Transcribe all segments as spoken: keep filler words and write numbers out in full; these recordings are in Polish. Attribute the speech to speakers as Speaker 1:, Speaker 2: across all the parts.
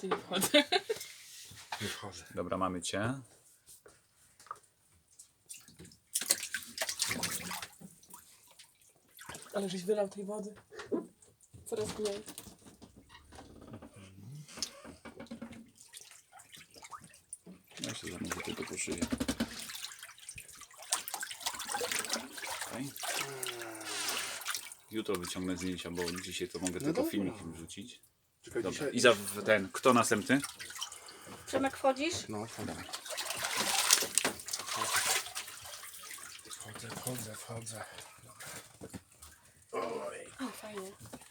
Speaker 1: to nie wchodzę.
Speaker 2: Nie wchodzę.
Speaker 3: Dobra, mamy cię.
Speaker 1: Ale żeś wylał tej wody. Coraz mniej.
Speaker 3: Ja się zamówię tylko po szyję. Okay. Jutro wyciągnę zdjęcia, bo dzisiaj to mogę
Speaker 2: No
Speaker 3: tylko
Speaker 2: dobra.
Speaker 3: filmikiem wrzucić.
Speaker 2: Czekaj,
Speaker 3: Dobra,
Speaker 2: dzisiaj...
Speaker 3: Iza, ten, kto następny?
Speaker 4: Przemek, wchodzisz?
Speaker 2: No, wchodzę. Wchodzę, wchodzę, wchodzę. Oj.
Speaker 1: O, fajnie.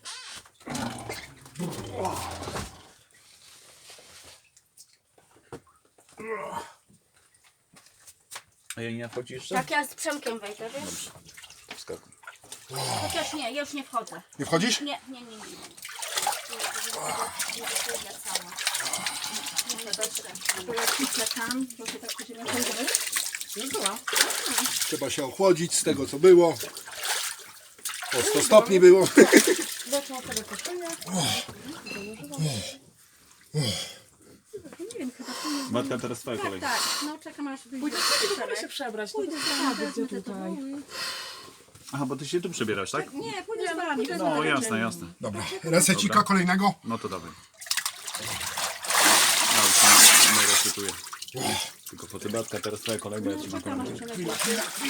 Speaker 3: A ja nie wchodzi jeszcze?
Speaker 4: Tak, ja z Przemkiem wejdę, wiesz?
Speaker 3: Dobrze. Wskakuj.
Speaker 4: Chociaż nie, ja już nie wchodzę.
Speaker 2: Nie wchodzisz?
Speaker 4: Nie, nie, nie, nie. Ja cała. Dobrze, dobrze. Bo ja cisnę tam, bo się tak będziemy chodzić.
Speaker 1: Nie była.
Speaker 2: Trzeba się ochłodzić z tego, co było. O sto stopni było.
Speaker 1: Zobaczmy sobie koszulę.
Speaker 4: Nie wiem, chyba to nie.
Speaker 3: Matka, teraz twoja
Speaker 4: Tak,
Speaker 3: kolej.
Speaker 4: tak. No czekam aż wyjdzie.
Speaker 1: Pójdę sobie się przebrać. To
Speaker 4: Pójdę
Speaker 1: bez
Speaker 4: z
Speaker 1: przesady,
Speaker 4: wami,
Speaker 1: gdzie tutaj.
Speaker 3: Aha, bo ty się tu przebierasz, tak?
Speaker 4: Nie, pójdę z wami. bez
Speaker 3: No,
Speaker 4: wami.
Speaker 3: jasne, jasne.
Speaker 2: Dobra, resecika
Speaker 3: Dobra.
Speaker 2: kolejnego.
Speaker 3: No to dawaj. No, już się nie rozczytuję. Tylko po tybatka, teraz twoja kolej, bo ja ci mam
Speaker 4: Czekam,
Speaker 3: kolej.
Speaker 4: aż się złapie.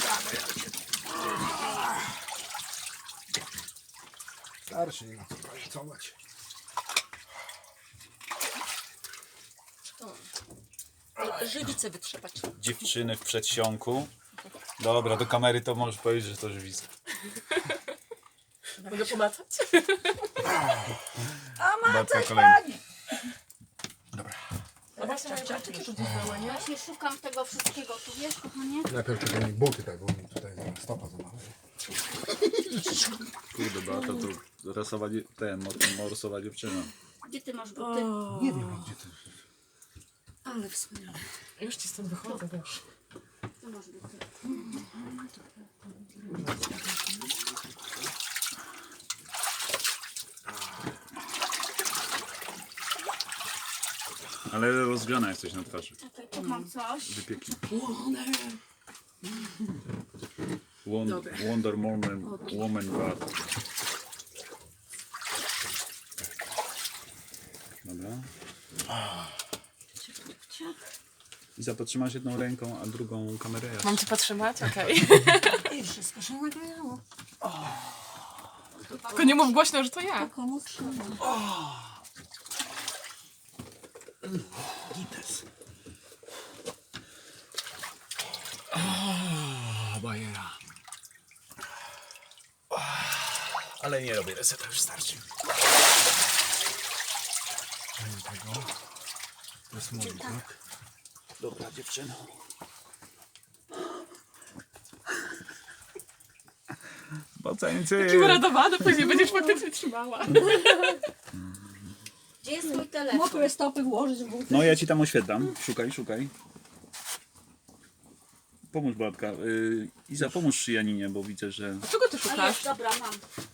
Speaker 2: Starszy, nie ma co pracować.
Speaker 1: Żywice wytrzepać.
Speaker 3: Dziewczyny w przedsionku. Dobra, do kamery to możesz powiedzieć, że to żywisko.
Speaker 1: Mogę pomacać?
Speaker 3: Babka kolejna.
Speaker 2: Dobra.
Speaker 1: No właśnie, moje rzeczy tu zostały, nie?
Speaker 4: Właśnie szukam tego wszystkiego, tu wiesz, kochanie?
Speaker 2: Najpierw tylko mi buty tak, bo mi tutaj zaraz stopa zamawiam.
Speaker 3: Kurde, Beata, to rasowa, dzie- ten, mor- morsowa dziewczyna.
Speaker 4: Gdzie ty masz buty?
Speaker 2: Nie wiem, gdzie ty.
Speaker 4: Ale wspaniale.
Speaker 1: Już ci stąd wychodzę, wiesz.
Speaker 4: Tu masz buty.
Speaker 3: Ale rozgrzana jesteś na twarzy.
Speaker 4: Czekaj, tu mam coś.
Speaker 3: Wypieki.
Speaker 1: One.
Speaker 3: Won-
Speaker 1: Dobra.
Speaker 3: Wonder Woman, Woman God. Dobra.
Speaker 4: Ciach.
Speaker 3: I zapotrzymasz jedną ręką, a drugą kamerę ja.
Speaker 1: Mam cię potrzymać? Okej.
Speaker 4: I wszystko się nagrało.
Speaker 1: Tylko nie mów głośno, że to ja.
Speaker 4: Komu trzeba?
Speaker 3: Gites. O, bajera. Ale nie robię reseta, już starczy.
Speaker 2: Tego. To jest mój, tak?
Speaker 3: Dobra, dziewczyno. Bacańcy.
Speaker 1: Taki uradowany, później będziesz faktycznie trzymała.
Speaker 4: Gdzie jest mój telefon?
Speaker 5: Mokre stopy włożyć w buty.
Speaker 3: No ja ci tam oświetlam. Szukaj, szukaj. Pomóż babka. Yy, Iza, pomóż Janinie, bo widzę, że...
Speaker 1: Czego ty
Speaker 4: A
Speaker 1: szukasz?
Speaker 4: jest, dobra, mam.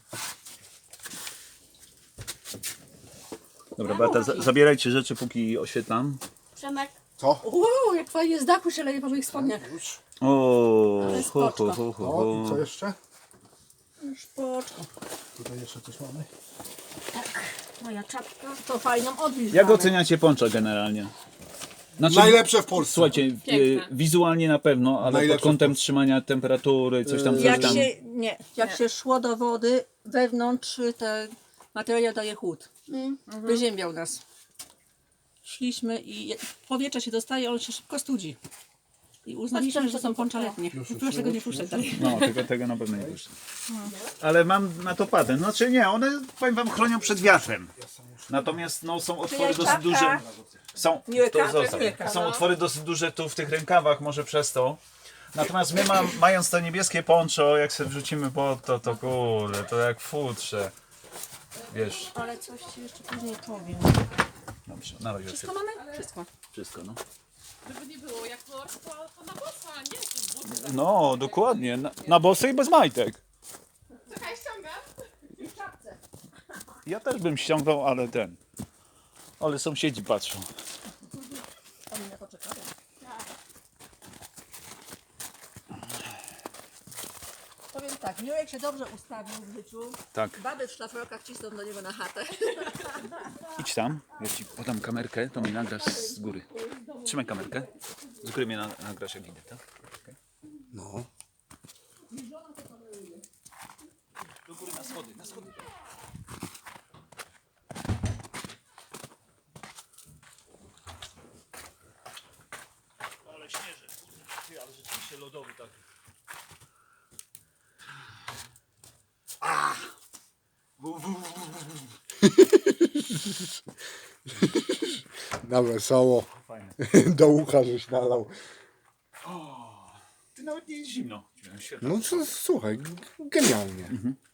Speaker 3: Dobra, Beata, za zabierajcie rzeczy, póki oświetlam.
Speaker 4: Przemek,
Speaker 2: Co?
Speaker 5: Uuu, jak fajnie z dachu się leje po moich spodniach.
Speaker 2: Już.
Speaker 3: O,
Speaker 5: Ale
Speaker 3: ho, ho,
Speaker 5: spoczko.
Speaker 3: ho, ho,
Speaker 2: O, i co
Speaker 3: ho.
Speaker 2: jeszcze?
Speaker 5: Szpoczko.
Speaker 2: Tutaj jeszcze coś mamy.
Speaker 4: moja czapka.
Speaker 5: To fajną odwilż.
Speaker 3: Jak
Speaker 5: mamy.
Speaker 3: oceniacie poncza generalnie? Znaczy,
Speaker 2: Najlepsze w Polsce.
Speaker 3: słuchajcie, e,
Speaker 1: Piękne.
Speaker 3: wizualnie na pewno, ale
Speaker 2: Najlepsze
Speaker 3: pod kątem trzymania temperatury, coś tam, coś
Speaker 5: Jak
Speaker 3: tam.
Speaker 5: się, nie, jak się szło do wody, wewnątrz ten materiał daje chłód.
Speaker 4: Mm.
Speaker 5: Wyziębiał nas. Szliśmy i powietrze się dostaje, on się szybko studzi. I uznaliśmy, że to są poncza letnie. Proszę tego nie puszczać dalej.
Speaker 3: No, tego, tego na pewno nie puszczę. Ale mam na to patent. Znaczy nie, one, powiem wam, chronią przed wiatrem. Natomiast no, są otwory dosyć duże. Są, to zostaw. Są otwory dosyć duże tu w tych rękawach, może przez to. Natomiast my mam, mając to niebieskie poncho, jak sobie wrzucimy pod to, to kurde, to jak w futrze. Wiesz,
Speaker 5: Ale coś ci jeszcze później powiem.
Speaker 3: dobrze, na razie.
Speaker 5: Wszystko mamy? Wszystko.
Speaker 3: Wszystko, no.
Speaker 1: Żeby nie było jak mors, to, to na bossa, nie? To jest buty.
Speaker 3: No, dokładnie. Na, na bosy i bez majtek.
Speaker 1: Czekaj, ściągam.
Speaker 3: Ja też bym ściągnął, ale ten. Ale sąsiedzi patrzą.
Speaker 5: Oni na to czekają. Powiem tak, Miłek się dobrze ustawił w życiu.
Speaker 3: Tak.
Speaker 5: Baby w szlafrokach cisną do niego na chatę.
Speaker 3: Idź tam, ja ci podam kamerkę, to mi nagrasz z góry. Trzymaj kamerkę. Z góry mnie na, nagrasz jak idę, tak? Okay.
Speaker 2: No.
Speaker 3: Do góry na schody, na schody. Ale śnieży, kurde, ale rzeczywiście lodowy tak.
Speaker 2: Na wesoło.
Speaker 3: Fajne.
Speaker 2: Do ucha żeś nalał.
Speaker 3: Ty nawet nie jest zimno. Świetnie.
Speaker 2: No co, słuchaj, genialnie.